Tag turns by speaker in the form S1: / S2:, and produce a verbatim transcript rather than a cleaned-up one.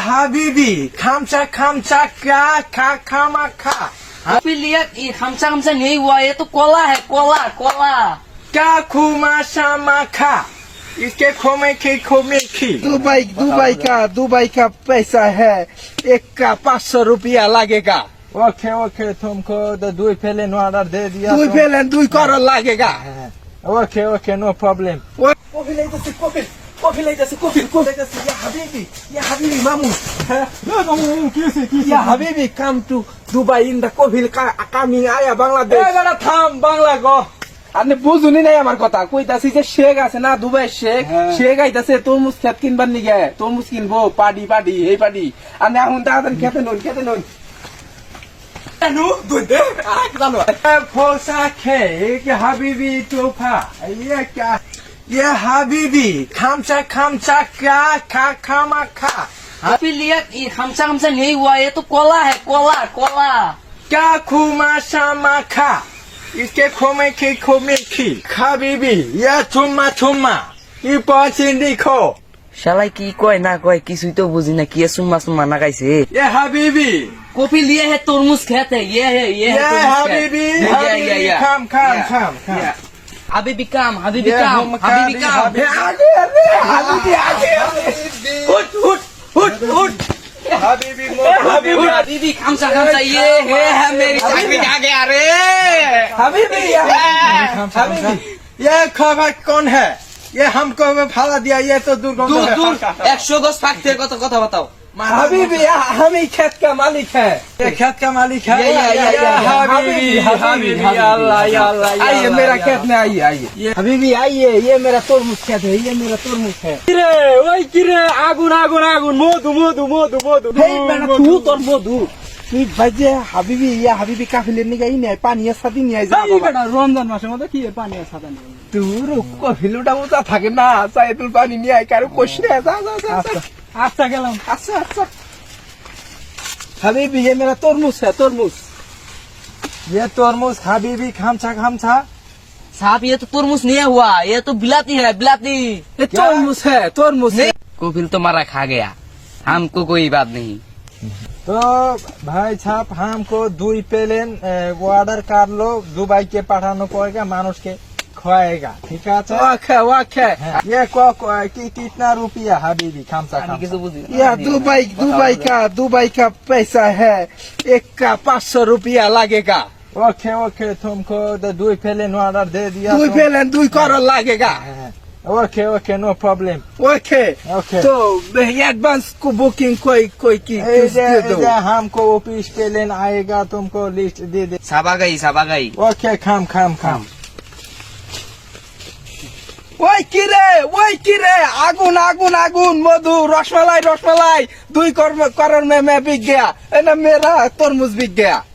S1: Habibi, kamcha kamcha ka ka kama ka.
S2: अभी लिया ये खमसा खमसा नहीं हुआ, ये तो कोला है, cola cola.
S1: Ka kuma sama ka. इसके खोमे की खोमे की.
S3: दुबई दुबई का दुबई का पैसा है, एक का पाँच सौ रुपया लगेगा।
S1: ओके ओके तुमको तो दो पहले नो ऑर्डर दे दिया.
S3: दुई फेल दुई करोड़ लगेगा।
S1: Okay okay no problem.
S3: Coffee ले जैसे कॉफी कॉफी ले जैसे कॉफी कॉफी जैसे या हबीबी या हबीबी मामू या हबीबी come to Dubai in the coffee का कामिंग आया बांग्लादेश।
S1: बेटा থাম বাংলা গো.
S3: আপনি বুঝুনি নাই আমার কথা, কইতাছি যে শেখ আছে না দুবাই শেখ, শেখ আইতাছে তরমুজ খেত কিনবার নিগে, তরমুজ কিনবো পাডি পাডি এই পাডি। আপনি এখন তাড়াতাড়ি খেতে নুন খেতে নুন।
S1: नु दुदे आ জানো. फोसा के एक हबीबी तोफा. ये क्या ये हबीबी खामचा खामचा का का खामा खा.
S2: अभी लिया ये खमसा खमसा नहीं हुआ, ये तो कोला है, कोला कोला।
S1: का खुमा sama खा. इसके खोमे की खोमे की. हबीबी ये चुम्मा चुम्मा. ये पॉचिंडी खो.
S2: শালাই কি কয় না কয় কিছুই তো বুঝি না, কি সুম্মা সুম্মা না গাইছে।
S1: ये हबीबी
S2: कॉफी लिए है, तरमुज खेत है, ये है ये है
S1: ये
S2: तरमुज खेत।
S1: हबीबी
S2: ये, ये, ये,
S1: हबीबी
S2: ये।
S1: खाम खाम
S2: Yeah.
S1: खाम खाम.
S2: Yeah. हबीबी काम हबीबी
S1: ये
S2: काम
S1: हम
S2: हबीबी
S1: खाबी,
S2: काम
S1: हबीबी।
S3: আগে আগে হাবিবি আগে
S1: उठ उठ उठ उठ. हबीबी मो
S2: हबीबी हबीबी खमसा खमसा ये है है मेरी चाबी आ गया रे।
S3: হাবিবি
S1: हबीबी ये खबर कौन है? ये हमको भाड़ा दिया. ये तो दुर्गंध
S2: दूर
S1: है.
S2: दूर একশো গজ ফাঁকতে কত কথা बताओ।
S3: হাবিবি हम ही खेत का मालिक है।
S1: ये खेत का मालिक है.
S2: ये, ये, ये, ये,
S1: हबीबी हबीबी अल्लाह या अल्लाह या
S3: आइए
S1: अल्लाह,
S3: मेरा
S1: या
S3: खेत में आइए आइए हबीबी आइए, ये मेरा तरमुज खेत है, ये मेरा तरमुज है।
S1: কিরে ওই কিরে আগুন আগুন আগুন মধু মধু মধু মধু.
S3: हे बेटा तू তোর বধু তুই বাজে হাবিবি ইয়া হাবিবি কাফিলে নিয়ে গই না পানি সাথে নিয়ে যা বাবা।
S1: রমজান মাসের মধ্যে কি পানি ছাতা নিয়ে.
S3: তোর কফিলুটা উতা থাকে না, চাই তুই পানি নিয়ে আই কারো কোশরে যা যা যা যা।
S1: আচ্ছা গেলাম.
S3: अच्छा अच्छा हबीबी ये मेरा तरमुज है, तरमुज।
S1: ये तरमुज हबीबी खामचा खामचा.
S2: साहब ये तो तरमुज नहीं हुआ, ये तो बिलाती है बिलाती।
S3: ये तरमुज है, तरमुज है।
S2: कॉफी तो मारा खा गया, हमको कोई बात नहीं।
S1: तो भाई साहब हमको दुई प्लेन ऑर्डर कर लो. दुबई के पाठानो पड़ेगा, मानुष के खुआएगा. ठीक है.
S3: वाखे वाखे
S1: ये को को- कि कितना रुपया हबीबी खामचा खामचा.
S3: या दुबई दुबई का दुबई का पैसा है, एक का पाँच सौ रुपया लगेगा।
S1: ओके ओके तुमको तो दुई प्लेन ऑर्डर दे दिया.
S3: दुई फेल दुई करोड़ लगेगा।
S1: Okay okay no problem.
S3: Okay
S1: okay.
S3: तो एडवांस को बुकिंग कोई कोई की
S1: ए जे
S3: दे
S1: ए
S3: दो।
S1: जे हमको ऑफिस प्लेन आएगा, तुमको लिस्ट दे दे.
S2: साबा गई साबा गई।
S1: ओके खाम खाम खाम.
S3: ওই কিরে ওই কিরে আগুন আগুন আগুন মধু রসমালাই রসমালাই দুই কর্ম করণ মে মে বিক গয়া, এ না মেরা तरमुज बिक गया।